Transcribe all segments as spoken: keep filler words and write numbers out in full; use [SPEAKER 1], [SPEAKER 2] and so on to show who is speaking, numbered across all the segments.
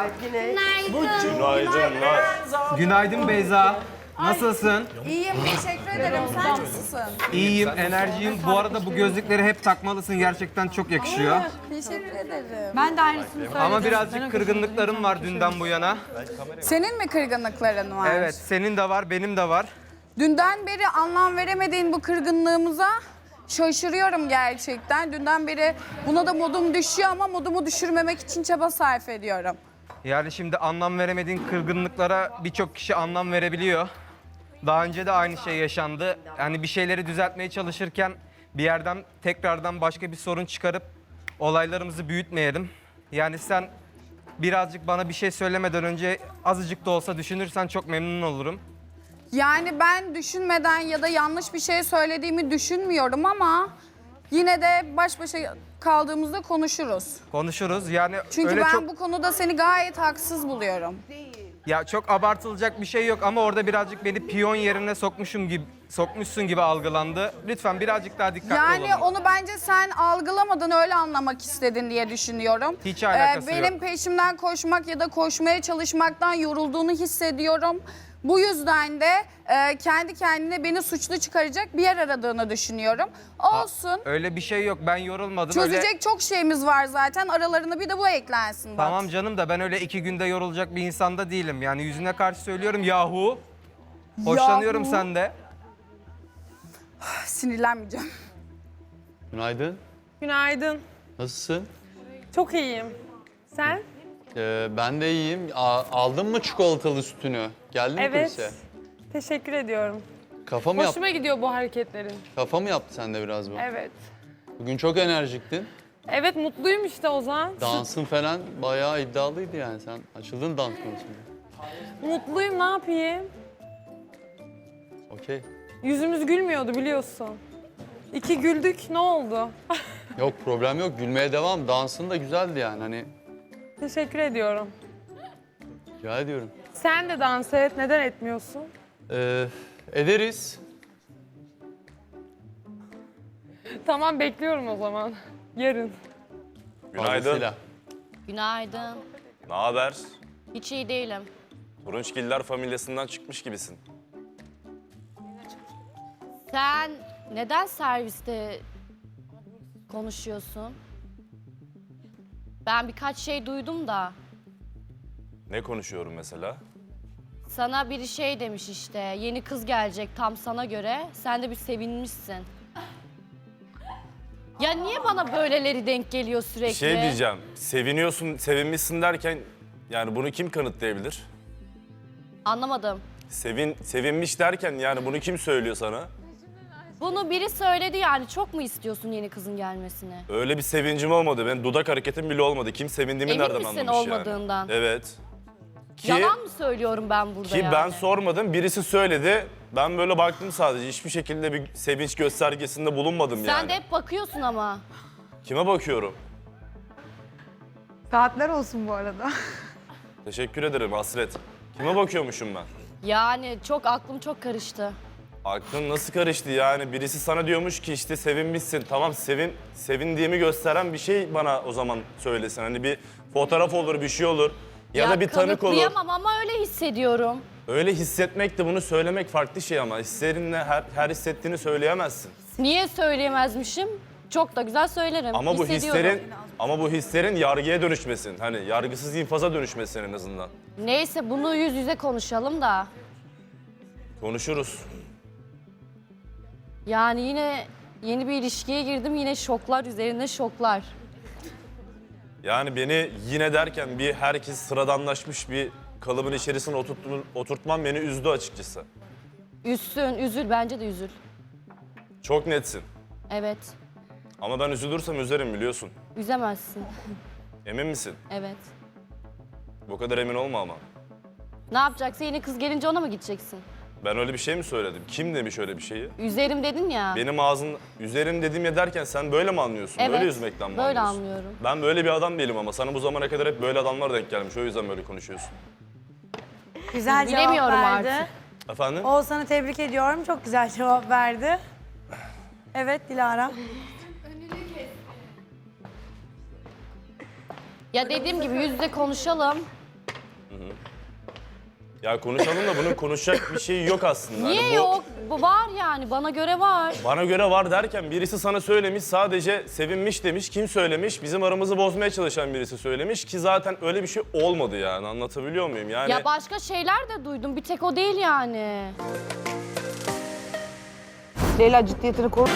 [SPEAKER 1] Günaydın.
[SPEAKER 2] Günaydın Beyza. Nasılsın?
[SPEAKER 3] İyiyim, teşekkür ederim. Sen nasılsın?
[SPEAKER 2] İyiyim, enerjiyim. Bu arada bu gözlükleri hep takmalısın. Gerçekten çok yakışıyor.
[SPEAKER 3] Teşekkür ederim.
[SPEAKER 4] Ben de aynısını söyledim.
[SPEAKER 2] Ama birazcık kırgınlıklarım var dünden bu yana.
[SPEAKER 3] Senin mi kırgınlıkların var?
[SPEAKER 2] Evet, senin de var, benim de var.
[SPEAKER 3] Dünden beri anlam veremediğin bu kırgınlığımıza şaşırıyorum gerçekten. Dünden beri buna da modum düşüyor ama modumu düşürmemek için çaba sarf ediyorum.
[SPEAKER 2] Yani şimdi anlam veremediğin kırgınlıklara birçok kişi anlam verebiliyor. Daha önce de aynı şey yaşandı. Yani bir şeyleri düzeltmeye çalışırken bir yerden tekrardan başka bir sorun çıkarıp olaylarımızı büyütmeyelim. Yani sen birazcık bana bir şey söylemeden önce azıcık da olsa düşünürsen çok memnun olurum.
[SPEAKER 3] Yani ben düşünmeden ya da yanlış bir şey söylediğimi düşünmüyorum ama yine de baş başa kaldığımızda konuşuruz.
[SPEAKER 2] Konuşuruz. Yani
[SPEAKER 3] Çünkü
[SPEAKER 2] öyle
[SPEAKER 3] ben
[SPEAKER 2] çok
[SPEAKER 3] bu konuda seni gayet haksız buluyorum.
[SPEAKER 2] ya çok abartılacak bir şey yok ama orada birazcık beni piyon yerine sokmuşum gibi sokmuşsun gibi algılandı. Lütfen birazcık daha dikkatli
[SPEAKER 3] Yani
[SPEAKER 2] olalım.
[SPEAKER 3] onu bence sen algılamadın, öyle anlamak istedin diye düşünüyorum.
[SPEAKER 2] Hiç alakası
[SPEAKER 3] benim
[SPEAKER 2] yok.
[SPEAKER 3] peşimden koşmak ya da koşmaya çalışmaktan yorulduğunu hissediyorum. Bu yüzden de e, kendi kendine beni suçlu çıkaracak bir yer aradığını düşünüyorum. Olsun.
[SPEAKER 2] Öyle bir şey yok. Ben yorulmadım. Öyle...
[SPEAKER 3] Çözecek çok şeyimiz var zaten. Aralarına bir de bu eklensin bak.
[SPEAKER 2] Tamam canım da ben öyle iki günde yorulacak bir insanda değilim. Yani yüzüne karşı söylüyorum yahu. Hoşlanıyorum
[SPEAKER 3] Yahu.
[SPEAKER 2] sende.
[SPEAKER 3] Sinirlenmeyeceğim.
[SPEAKER 5] Günaydın.
[SPEAKER 4] Günaydın.
[SPEAKER 5] Nasılsın?
[SPEAKER 4] Çok iyiyim. Sen?
[SPEAKER 5] Ee, ben de iyiyim. A- aldın mı çikolatalı sütünü? Geldin mi
[SPEAKER 4] Evet.
[SPEAKER 5] kulise?
[SPEAKER 4] Teşekkür ediyorum.
[SPEAKER 5] Kafa mı, yap
[SPEAKER 4] Hoşuma gidiyor bu hareketlerin.
[SPEAKER 5] kafa mı yaptı sende biraz bu?
[SPEAKER 4] Evet.
[SPEAKER 5] Bugün çok enerjiktin.
[SPEAKER 4] Evet, mutluyum işte Ozan.
[SPEAKER 5] Dansın falan bayağı iddialıydı yani. Sen açıldın dans konusunda.
[SPEAKER 4] Mutluyum, ne yapayım?
[SPEAKER 5] Okey.
[SPEAKER 4] Yüzümüz gülmüyordu biliyorsun. İki güldük, ne oldu?
[SPEAKER 5] Yok problem yok. Gülmeye devam. Dansın da güzeldi yani. Hani
[SPEAKER 4] Teşekkür ediyorum.
[SPEAKER 5] rica ediyorum.
[SPEAKER 4] Sen de dans et, neden etmiyorsun?
[SPEAKER 5] Ee, ederiz.
[SPEAKER 4] Tamam, bekliyorum o zaman. Yarın.
[SPEAKER 1] Günaydın.
[SPEAKER 5] Fazlasıyla.
[SPEAKER 6] Günaydın.
[SPEAKER 1] Ne haber?
[SPEAKER 6] Hiç iyi değilim.
[SPEAKER 1] Turunçgiller familyasından çıkmış gibisin.
[SPEAKER 6] Sen neden serviste konuşuyorsun? Ben birkaç şey duydum da.
[SPEAKER 1] Ne konuşuyorum mesela?
[SPEAKER 6] Sana biri şey demiş işte, yeni kız gelecek tam sana göre. Sen de bir sevinmişsin. Ya niye bana böyleleri denk geliyor sürekli?
[SPEAKER 1] Bir şey diyeceğim. Seviniyorsun, sevinmişsin derken yani bunu kim kanıtlayabilir?
[SPEAKER 6] Anlamadım.
[SPEAKER 1] Sevin, sevinmiş derken yani bunu kim söylüyor sana?
[SPEAKER 6] Bunu biri söyledi yani, çok mu istiyorsun yeni kızın gelmesini?
[SPEAKER 1] Öyle bir sevincim olmadı. Ben dudak hareketim bile olmadı. Kim sevindiğimi
[SPEAKER 6] Emin
[SPEAKER 1] nereden
[SPEAKER 6] misin
[SPEAKER 1] anlamış
[SPEAKER 6] olmadığından?
[SPEAKER 1] yani? Evet. Ki,
[SPEAKER 6] Yalan mı söylüyorum ben burada
[SPEAKER 1] ki
[SPEAKER 6] yani?
[SPEAKER 1] ben sormadım. Birisi söyledi. Ben böyle baktım sadece. Hiçbir şekilde bir sevinç göstergesinde bulunmadım
[SPEAKER 6] Sen
[SPEAKER 1] yani.
[SPEAKER 6] de hep bakıyorsun ama.
[SPEAKER 1] Kime bakıyorum?
[SPEAKER 4] Saatler olsun bu arada.
[SPEAKER 1] Teşekkür ederim Hasret. Kime bakıyormuşum ben?
[SPEAKER 6] Yani çok aklım çok karıştı.
[SPEAKER 1] Aklın nasıl karıştı yani? Birisi sana diyormuş ki işte sevinmişsin. Tamam sevin, sevindiğimi gösteren bir şey bana o zaman söylesin. Hani bir fotoğraf olur, bir şey olur. Ya, da bir tanık olur.
[SPEAKER 6] Kanıtlayamam ama öyle hissediyorum.
[SPEAKER 1] Öyle hissetmek de bunu söylemek farklı şey ama hislerinle her, her hissettiğini söyleyemezsin.
[SPEAKER 6] Niye söyleyemezmişim? Çok da güzel söylerim.
[SPEAKER 1] Ama bu
[SPEAKER 6] Hissediyorum.
[SPEAKER 1] hislerin ama bu hislerin yargıya dönüşmesin. Hani yargısız infaza dönüşmesin en azından.
[SPEAKER 6] Neyse bunu yüz yüze konuşalım da.
[SPEAKER 1] Konuşuruz.
[SPEAKER 6] Yani yine yeni bir ilişkiye girdim, yine şoklar üzerine şoklar.
[SPEAKER 1] Yani beni yine derken bir herkes sıradanlaşmış bir kalıbın içerisine oturtman, oturtman beni üzdü açıkçası.
[SPEAKER 6] Üzsün, üzül, bence de üzül.
[SPEAKER 1] Çok netsin.
[SPEAKER 6] Evet,
[SPEAKER 1] Ama ben üzülürsem üzerim biliyorsun.
[SPEAKER 6] üzemezsin.
[SPEAKER 1] Emin misin?
[SPEAKER 6] Evet.
[SPEAKER 1] Bu kadar emin olma ama.
[SPEAKER 6] Ne yapacaksın? Yeni kız gelince ona mı gideceksin?
[SPEAKER 1] Ben öyle bir şey mi söyledim? Kim demiş öyle bir şeyi?
[SPEAKER 6] Üzerim dedin ya.
[SPEAKER 1] Benim ağzın üzerim dediğim ya derken sen böyle mi anlıyorsun?
[SPEAKER 6] Evet,
[SPEAKER 1] Böyle üzmekten mi
[SPEAKER 6] böyle
[SPEAKER 1] anlıyorsun?
[SPEAKER 6] anlıyorum.
[SPEAKER 1] Ben böyle bir adam değilim ama sana bu zamana kadar hep böyle adamlar denk gelmiş. O yüzden böyle konuşuyorsun.
[SPEAKER 7] Güzel cevap
[SPEAKER 6] Bilemiyorum
[SPEAKER 7] verdi.
[SPEAKER 6] artık.
[SPEAKER 1] Efendim?
[SPEAKER 7] Oğuzhan'ı tebrik ediyorum. Çok güzel cevap verdi. Evet Dilara.
[SPEAKER 6] Ya dediğim gibi yüz yüze konuşalım.
[SPEAKER 1] Ya konuşalım da bunun konuşacak bir şey yok aslında.
[SPEAKER 6] Niye
[SPEAKER 1] Hani bu-
[SPEAKER 6] yok? Bu var yani, bana göre var.
[SPEAKER 1] Bana göre var derken birisi sana söylemiş, sadece sevinmiş demiş. Kim söylemiş? Bizim aramızı bozmaya çalışan birisi söylemiş ki zaten öyle bir şey olmadı yani. Anlatabiliyor muyum? Yani
[SPEAKER 6] Ya başka şeyler de duydum, bir tek o değil yani.
[SPEAKER 8] Leyla ciddiyetini koru.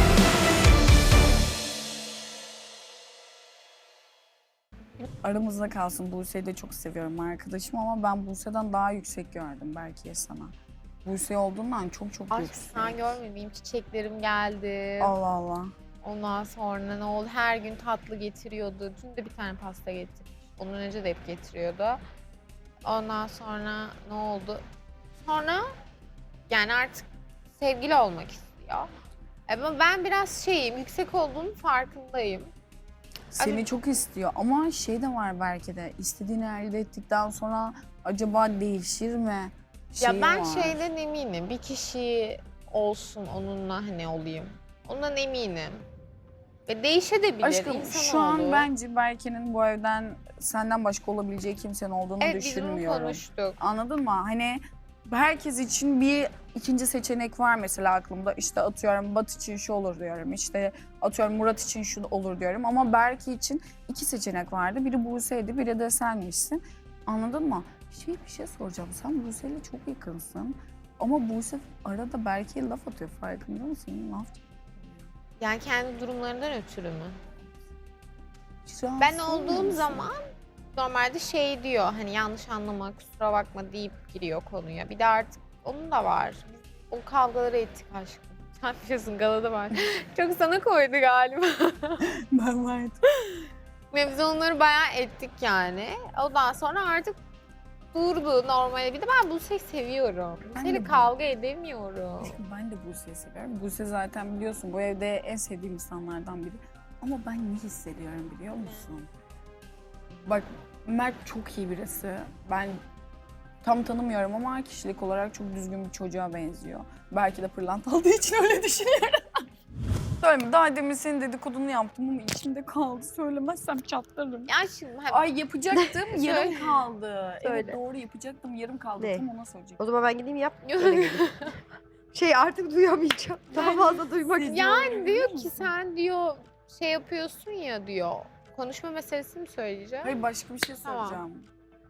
[SPEAKER 3] Aramızda kalsın. Buse'yi de çok seviyorum arkadaşım ama ben Buse'den daha yüksek gördüm belki sana. Buse olduğundan çok çok
[SPEAKER 9] Aşk
[SPEAKER 3] yüksek.
[SPEAKER 9] sen görmüyor benim çiçeklerim geldi.
[SPEAKER 3] Allah Allah.
[SPEAKER 9] Ondan sonra ne oldu? Her gün tatlı getiriyordu. Dün de bir tane pasta getirmiş. Ondan önce de hep getiriyordu. Ondan sonra ne oldu? Sonra yani artık sevgili olmak istiyor. Ama ben biraz şeyim, yüksek olduğunun farkındayım.
[SPEAKER 3] Seni
[SPEAKER 9] Abi-
[SPEAKER 3] çok istiyor ama şey de var belki de istediğini elde ettikten sonra acaba değişir mi?
[SPEAKER 9] Ya
[SPEAKER 3] Şeyi
[SPEAKER 9] ben
[SPEAKER 3] var.
[SPEAKER 9] şeyden eminim. Bir kişi olsun onunla hani olayım. Ondan eminim. Ve değişebilir.
[SPEAKER 3] Aşkım
[SPEAKER 9] insanoğlu.
[SPEAKER 3] şu an bence Berke'nin bu evden senden başka olabileceği kimsenin olduğunu
[SPEAKER 9] Evet biz bunu
[SPEAKER 3] düşünmüyorum.
[SPEAKER 9] konuştuk.
[SPEAKER 3] Anladın mı? Hani herkes için bir ikinci seçenek var mesela aklımda. İşte atıyorum Bat için şu olur diyorum. İşte atıyorum Murat için şu olur diyorum. Ama Berke için iki seçenek vardı. Biri Buse'ydi, biri de senmişsin. Anladın mı? Şey bir şey soracağım. Sen Buse'yle çok yakınsın. Ama Buse arada Berke'ye laf atıyor. Farkında mısın? Laf
[SPEAKER 9] Yani kendi durumlarından ötürü mü?
[SPEAKER 3] hiç
[SPEAKER 9] Ben
[SPEAKER 3] rahatsız olmuyor
[SPEAKER 9] olduğum
[SPEAKER 3] musun?
[SPEAKER 9] zaman normalde şey diyor hani yanlış anlama kusura bakma deyip giriyor konuya. Bir de artık onun da var. Biz o kavgaları ettik aşkım. Sen biliyorsun galada var. Çok sana koydu galiba.
[SPEAKER 3] Ben vardım.
[SPEAKER 9] Ve biz onları bayağı ettik yani. Ondan sonra artık durdu normale. Bir de ben Buse'yi seviyorum.
[SPEAKER 3] Ben
[SPEAKER 9] Buse'yle
[SPEAKER 3] de bu-
[SPEAKER 9] kavga edemiyorum.
[SPEAKER 3] Aşkım ben de Buse'yi seviyorum. Buse zaten biliyorsun bu evde en sevdiğim insanlardan biri. Ama ben ne hissediyorum biliyor musun? Bak Mert çok iyi birisi. Ben tam tanımıyorum ama kişilik olarak çok düzgün bir çocuğa benziyor. Belki de pırlanta aldığı için öyle düşünüyorum. Söyleme, daha demin senin dedikodunu yaptım ama içimde kaldı. Söylemezsem çatlarım.
[SPEAKER 9] Ya şimdi hadi
[SPEAKER 3] Ay yapacaktım, yarım
[SPEAKER 9] Söyle.
[SPEAKER 3] kaldı. Evet
[SPEAKER 8] Söyle.
[SPEAKER 3] doğru yapacaktım, yarım kaldı.
[SPEAKER 8] Ne?
[SPEAKER 3] Tam ona söyleyecektim.
[SPEAKER 8] O zaman ben gideyim yap. Öyle geleyim. Şey artık duyamayacağım. Daha fazla duymak istiyorum.
[SPEAKER 9] yani diyor ki sen diyor şey yapıyorsun ya diyor. Konuşma meselesini mi söyleyeceğim?
[SPEAKER 3] Hayır başka bir şey
[SPEAKER 9] Tamam.
[SPEAKER 3] soracağım.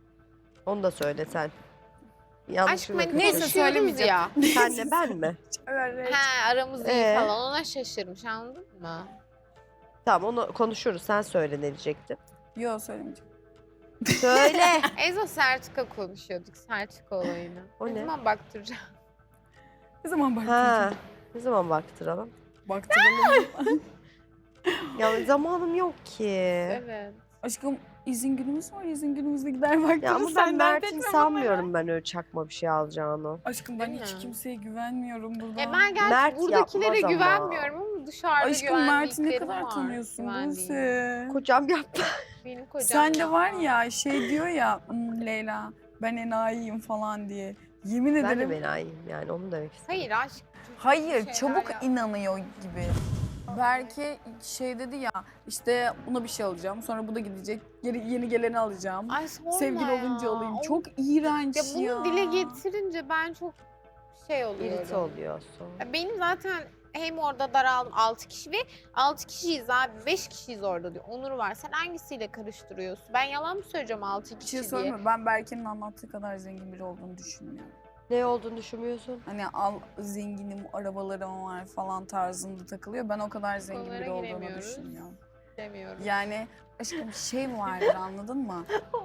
[SPEAKER 8] Onu da söyle sen. Yanlış
[SPEAKER 9] Aşkım
[SPEAKER 8] mı?
[SPEAKER 9] hani
[SPEAKER 3] Neyse,
[SPEAKER 9] konuşuyoruz
[SPEAKER 3] söylemeyeceğim.
[SPEAKER 9] ya.
[SPEAKER 8] Senle ben mi?
[SPEAKER 3] Evet.
[SPEAKER 9] He aramız iyi
[SPEAKER 8] Ee?
[SPEAKER 9] falan ona şaşırmış anladın mı?
[SPEAKER 8] Tamam onu konuşuruz. Sen söyle ne diyecektin.
[SPEAKER 3] Yok söylemeyeceğim.
[SPEAKER 8] Söyle.
[SPEAKER 9] En son Sertika konuşuyorduk Sertika olayını.
[SPEAKER 8] O
[SPEAKER 9] ne
[SPEAKER 8] ne?
[SPEAKER 9] zaman baktıracağım?
[SPEAKER 3] Ne zaman
[SPEAKER 8] ha.
[SPEAKER 3] baktıracağım?
[SPEAKER 8] Ne zaman baktıralım?
[SPEAKER 3] Baktıralım.
[SPEAKER 8] Ya zamanım yok ki.
[SPEAKER 9] Evet.
[SPEAKER 3] Aşkım izin günümüz var. İzin günümüzde gider baktırırız.
[SPEAKER 8] Ya ama ben
[SPEAKER 3] Sen dert
[SPEAKER 8] Mert'in
[SPEAKER 3] etme
[SPEAKER 8] sanmıyorum ben öyle çakma bir şey alacağını.
[SPEAKER 3] Aşkım ben
[SPEAKER 9] Değil
[SPEAKER 3] hiç
[SPEAKER 9] mi?
[SPEAKER 3] kimseye güvenmiyorum burada.
[SPEAKER 9] E ben gerçi
[SPEAKER 8] Mert
[SPEAKER 9] buradakilere
[SPEAKER 8] yapmaz ama.
[SPEAKER 9] güvenmiyorum ama dışarıda
[SPEAKER 3] Aşkım Mert'i ne
[SPEAKER 9] güvendiklerim
[SPEAKER 3] kadar
[SPEAKER 9] var.
[SPEAKER 3] tanıyorsun
[SPEAKER 9] Güvendiğim.
[SPEAKER 3] Buse?
[SPEAKER 8] Kocam yaptı.
[SPEAKER 9] Benim kocam
[SPEAKER 3] Sen de
[SPEAKER 9] ya.
[SPEAKER 3] var ya şey diyor ya "Hmm, Leyla ben enayiyim falan diye. Yemin
[SPEAKER 8] Ben de
[SPEAKER 3] ederim.
[SPEAKER 8] menayim yani onu demek istedim.
[SPEAKER 9] Hayır aşk.
[SPEAKER 3] Hayır
[SPEAKER 9] şeyler
[SPEAKER 3] çabuk
[SPEAKER 9] yap.
[SPEAKER 3] inanıyor gibi. Belki şey dedi ya işte buna bir şey alacağım sonra bu da gidecek yeni, yeni geleni alacağım.
[SPEAKER 9] Ay sorma
[SPEAKER 3] Sevgili
[SPEAKER 9] ya.
[SPEAKER 3] olunca alayım.
[SPEAKER 9] O-
[SPEAKER 3] Çok iğrenç
[SPEAKER 9] Ya
[SPEAKER 3] ya.
[SPEAKER 9] bunu dile getirince ben çok şey oluyorum.
[SPEAKER 8] İrite oluyor sonra.
[SPEAKER 9] Ya benim zaten hem orada daraldım altı kişi ve altı kişiyiz abi beş kişiyiz orada diyor. Onur var. Sen hangisiyle karıştırıyorsun? Ben yalan mı söyleyeceğim altı
[SPEAKER 3] Bir
[SPEAKER 9] kişi
[SPEAKER 3] şey
[SPEAKER 9] diye?
[SPEAKER 3] söyleme ben Berke'nin anlattığı kadar zengin biri olduğunu düşünmüyorum.
[SPEAKER 8] Ne olduğunu düşünmüyorsun?
[SPEAKER 3] Hani al zenginim, arabalarım var falan tarzında takılıyor. Ben o kadar zengin
[SPEAKER 9] Konulara
[SPEAKER 3] biri olduğunu
[SPEAKER 9] giremiyoruz.
[SPEAKER 3] düşünmüyorum.
[SPEAKER 9] Demiyorum.
[SPEAKER 3] Yani aşkım şey vardır anladın mı?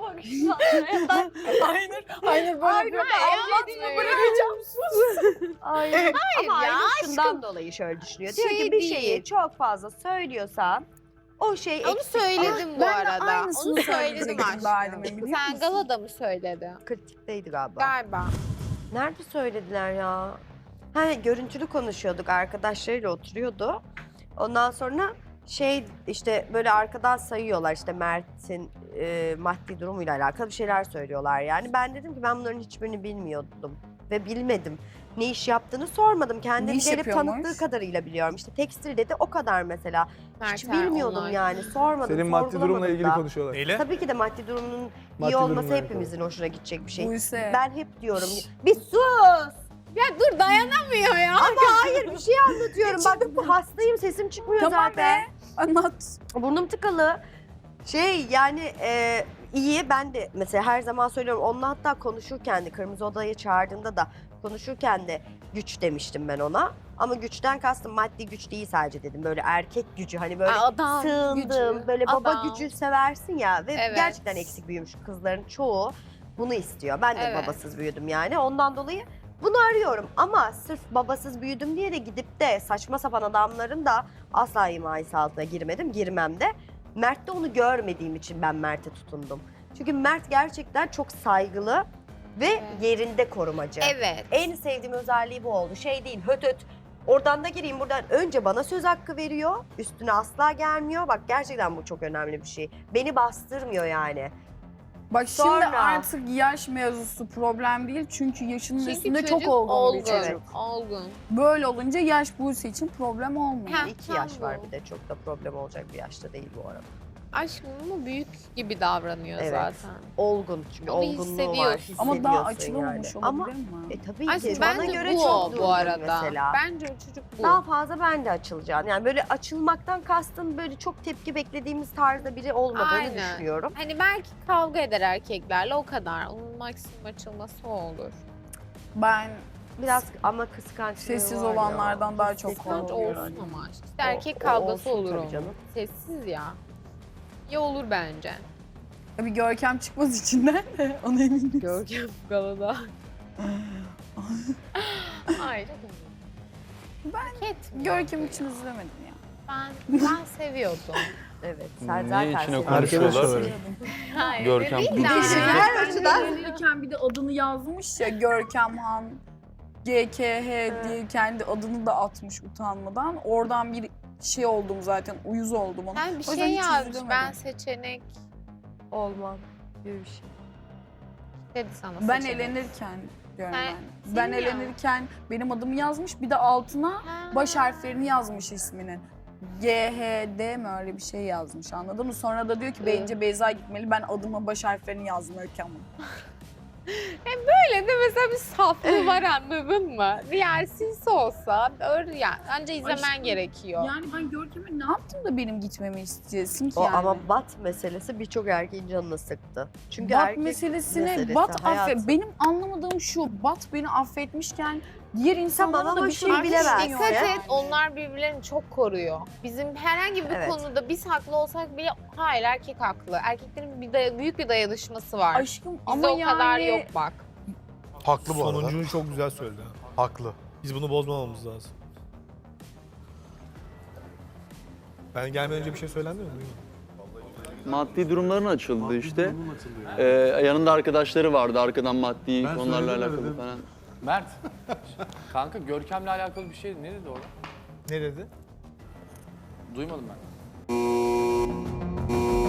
[SPEAKER 3] Aynen, aynen böyle
[SPEAKER 9] Hayır,
[SPEAKER 3] bir
[SPEAKER 9] hayır,
[SPEAKER 3] bırakacağım sus.
[SPEAKER 8] Aynen. Ama
[SPEAKER 9] ya,
[SPEAKER 8] Aynur şundan
[SPEAKER 9] aşkım.
[SPEAKER 8] dolayı şöyle düşünüyor.
[SPEAKER 9] Şey
[SPEAKER 8] Diyor ki bir
[SPEAKER 9] değil.
[SPEAKER 8] şeyi çok fazla söylüyorsan o şey
[SPEAKER 9] Onu
[SPEAKER 8] eksik.
[SPEAKER 9] söyledim bu
[SPEAKER 3] ben de
[SPEAKER 9] arada.
[SPEAKER 3] aynısını
[SPEAKER 9] Onu söyledim
[SPEAKER 3] söyleyecektim
[SPEAKER 9] aşkım.
[SPEAKER 3] daha demin, biliyor
[SPEAKER 9] Sen
[SPEAKER 3] musun?
[SPEAKER 9] galada mı söyledin?
[SPEAKER 8] Kritikteydi galiba.
[SPEAKER 9] Galiba.
[SPEAKER 8] Nerede söylediler ya? Ha görüntülü konuşuyorduk arkadaşlarıyla oturuyordu. Ondan sonra şey işte böyle arkadan sayıyorlar işte Mert'in e, maddi durumuyla alakalı bir şeyler söylüyorlar yani. Ben dedim ki ben bunların hiçbirini bilmiyordum ve bilmedim. ne iş yaptığını sormadım. Kendini
[SPEAKER 3] iş
[SPEAKER 8] gelip
[SPEAKER 3] yapıyormuş?
[SPEAKER 8] tanıttığı kadarıyla biliyorum. İşte tekstil dedi, o kadar mesela. Hiç
[SPEAKER 9] Mert'e
[SPEAKER 8] bilmiyordum
[SPEAKER 9] onlar.
[SPEAKER 8] yani, sormadım,
[SPEAKER 10] Senin maddi
[SPEAKER 8] sorgulamadım
[SPEAKER 10] durumla ilgili
[SPEAKER 8] da.
[SPEAKER 10] konuşuyorlar.
[SPEAKER 1] Neyle?
[SPEAKER 8] Tabii ki de maddi durumunun
[SPEAKER 10] Maddi
[SPEAKER 8] iyi olması
[SPEAKER 10] durumla
[SPEAKER 8] hepimizin hoşuna gidecek bir şey.
[SPEAKER 3] Buse.
[SPEAKER 8] Ben hep diyorum, bir sus!
[SPEAKER 9] Ya dur dayanamıyor ya.
[SPEAKER 8] Ama hayır, bir şey anlatıyorum. Bak hastayım, sesim çıkmıyor
[SPEAKER 3] Tamam
[SPEAKER 8] zaten.
[SPEAKER 3] be. Anlat.
[SPEAKER 8] Burnum tıkalı. Şey yani e, iyi, ben de mesela her zaman söylüyorum. Onunla hatta konuşurken de, Kırmızı Oda'ya çağırdığında da konuşurken de güç demiştim ben ona. Ama güçten kastım maddi güç değil sadece dedim. Böyle erkek gücü, hani böyle
[SPEAKER 9] Adam
[SPEAKER 8] sığındım.
[SPEAKER 9] gücü,
[SPEAKER 8] Böyle baba
[SPEAKER 9] adam.
[SPEAKER 8] gücü seversin ya. Ve
[SPEAKER 9] Evet.
[SPEAKER 8] gerçekten eksik büyümüş kızların çoğu bunu istiyor. Ben de
[SPEAKER 9] Evet.
[SPEAKER 8] babasız büyüdüm yani. Ondan dolayı bunu arıyorum. Ama sırf babasız büyüdüm diye de gidip de saçma sapan adamların da asla himayesi altına girmedim. Girmem de. Mert'te onu görmediğim için ben Mert'e tutundum. Çünkü Mert gerçekten çok saygılı ve
[SPEAKER 9] Evet.
[SPEAKER 8] yerinde korumacı.
[SPEAKER 9] Evet.
[SPEAKER 8] En sevdiğim özelliği bu oldu. Şey değil, höt höt. Oradan da gireyim, buradan önce bana söz hakkı veriyor. Üstüne asla gelmiyor. Bak gerçekten bu çok önemli bir şey. Beni bastırmıyor yani.
[SPEAKER 3] Bak şimdi
[SPEAKER 8] Sonra-
[SPEAKER 3] artık yaş mevzusu problem değil. Çünkü yaşının
[SPEAKER 9] Çünkü
[SPEAKER 3] üstünde
[SPEAKER 9] çocuk
[SPEAKER 3] çok olgun,
[SPEAKER 9] olgun.
[SPEAKER 3] bir çocuk.
[SPEAKER 9] Olgun.
[SPEAKER 3] Böyle olunca yaş Buse için problem olmuyor.
[SPEAKER 9] Ha,
[SPEAKER 8] İki
[SPEAKER 9] tam
[SPEAKER 8] yaş var
[SPEAKER 9] bu.
[SPEAKER 8] bir de, çok da problem olacak bir yaşta değil bu arada.
[SPEAKER 9] Aşkım ama büyük gibi davranıyor
[SPEAKER 8] Evet.
[SPEAKER 9] zaten.
[SPEAKER 8] Olgun, çünkü
[SPEAKER 9] Onu
[SPEAKER 8] olgunluğu var,
[SPEAKER 9] hissediyorsun.
[SPEAKER 3] Ama daha
[SPEAKER 8] hissediyorsun
[SPEAKER 3] açılamamış
[SPEAKER 8] yani. Ama
[SPEAKER 3] olabilir mi?
[SPEAKER 8] e, tabii
[SPEAKER 9] Aşkım
[SPEAKER 8] ki bana
[SPEAKER 9] bence
[SPEAKER 8] göre
[SPEAKER 9] bu
[SPEAKER 8] çok
[SPEAKER 9] o
[SPEAKER 8] durgun
[SPEAKER 9] bu arada.
[SPEAKER 8] mesela.
[SPEAKER 9] Bence o çocuk bu.
[SPEAKER 8] Daha fazla ben de açılacağım. Yani böyle açılmaktan kastım böyle çok tepki beklediğimiz tarzda biri olmadığını
[SPEAKER 9] Aynen.
[SPEAKER 8] düşünüyorum.
[SPEAKER 9] Hani belki kavga eder erkeklerle, o kadar. Onun maksimum açılması o olur.
[SPEAKER 3] Ben
[SPEAKER 8] Biraz ama kıskançlığı
[SPEAKER 3] Sessiz
[SPEAKER 8] var ya.
[SPEAKER 3] olanlardan daha çok
[SPEAKER 8] Kıskanç
[SPEAKER 9] Kıskanç
[SPEAKER 3] korkuyorum.
[SPEAKER 9] olsun ama. İşte
[SPEAKER 8] O-
[SPEAKER 9] erkek
[SPEAKER 8] o
[SPEAKER 9] kavgası
[SPEAKER 8] olsun
[SPEAKER 9] olur
[SPEAKER 8] tabii
[SPEAKER 9] onun.
[SPEAKER 8] canım.
[SPEAKER 9] Sessiz ya. Ya olur bence.
[SPEAKER 3] bir Görkem çıkmaz içinden. Ona eminim.
[SPEAKER 9] Görkem galada. Hayır. Ben
[SPEAKER 3] Görkem için üzülemedim ya.
[SPEAKER 9] Ben, ben seviyordum.
[SPEAKER 8] Evet, sen
[SPEAKER 5] Niye
[SPEAKER 8] zaten
[SPEAKER 5] içine
[SPEAKER 8] seviyorsun.
[SPEAKER 10] Arkadaş
[SPEAKER 5] konuşuyorlar?
[SPEAKER 10] olarak.
[SPEAKER 9] Hayır.
[SPEAKER 5] Görkem
[SPEAKER 9] değil
[SPEAKER 5] konuşuyor.
[SPEAKER 9] de.
[SPEAKER 3] Bir de şey,
[SPEAKER 8] Her
[SPEAKER 3] her
[SPEAKER 8] açıdan.
[SPEAKER 3] açıdan bir de adını yazmış ya, Görkem Han G K H diye kendi adını da atmış utanmadan. Oradan bir şey oldum zaten, uyuz oldum ona.
[SPEAKER 9] Ben bir
[SPEAKER 3] O yüzden
[SPEAKER 9] şey
[SPEAKER 3] hiç
[SPEAKER 9] yazmış.
[SPEAKER 3] üzülemedim.
[SPEAKER 9] Ben seçenek
[SPEAKER 8] Olmam gibi bir şey.
[SPEAKER 9] dedi sana.
[SPEAKER 3] Ben
[SPEAKER 9] seçenek.
[SPEAKER 3] elenirken diyorum
[SPEAKER 9] Sen-
[SPEAKER 3] ben. Ben
[SPEAKER 9] senin ya.
[SPEAKER 3] elenirken benim adımı yazmış, bir de altına
[SPEAKER 9] Ha.
[SPEAKER 3] baş harflerini yazmış isminin. G H D mi öyle bir şey yazmış, anladın mı? Sonra da diyor ki bence Beyza gitmeli, ben adıma baş harflerini yazmıyorken bunu.
[SPEAKER 9] Öyle de mesela bir saflığı var, anladın mı? Diğer sinsi olsa öyle ya. Önce izlemen
[SPEAKER 3] Aşkım,
[SPEAKER 9] gerekiyor.
[SPEAKER 3] Yani ben Görkem'e ne yaptım da benim gitmemi istiyorsun ki
[SPEAKER 8] O
[SPEAKER 3] yani?
[SPEAKER 8] ama bat meselesi birçok erkeğin canını sıktı. Çünkü
[SPEAKER 3] Bat
[SPEAKER 8] erkek
[SPEAKER 3] meselesine
[SPEAKER 8] meselesi,
[SPEAKER 3] Bat
[SPEAKER 8] hayatım.
[SPEAKER 3] affet. Benim anlamadığım şu, Bat beni affetmişken diğer insanlara
[SPEAKER 8] ama
[SPEAKER 3] da bir
[SPEAKER 8] şunu
[SPEAKER 3] şey
[SPEAKER 8] bilemezsin.
[SPEAKER 3] bilemiyor
[SPEAKER 9] Dikkat
[SPEAKER 3] yani.
[SPEAKER 9] et, onlar birbirlerini çok koruyor. Bizim herhangi bir
[SPEAKER 8] Evet.
[SPEAKER 9] konuda biz haklı olsak bile hayır erkek haklı. Erkeklerin bir day- büyük bir dayanışması var.
[SPEAKER 3] Aşkım
[SPEAKER 9] Bizde
[SPEAKER 3] ama
[SPEAKER 9] o
[SPEAKER 3] yani...
[SPEAKER 9] kadar yok bak.
[SPEAKER 10] Haklı bu arada.
[SPEAKER 11] Sonuncunu çok güzel söyledi.
[SPEAKER 10] Haklı.
[SPEAKER 11] Biz bunu bozmamamız lazım. Ben gelmeden önce bir şey söylendi mi? Duymadım.
[SPEAKER 5] Maddi durumların açıldı işte. Ee, yanında arkadaşları vardı arkadan maddi konularla alakalı falan.
[SPEAKER 12] Mert, kanka Görkem'le alakalı bir şey ne dedi orada?
[SPEAKER 11] Ne dedi?
[SPEAKER 12] Duymadım ben.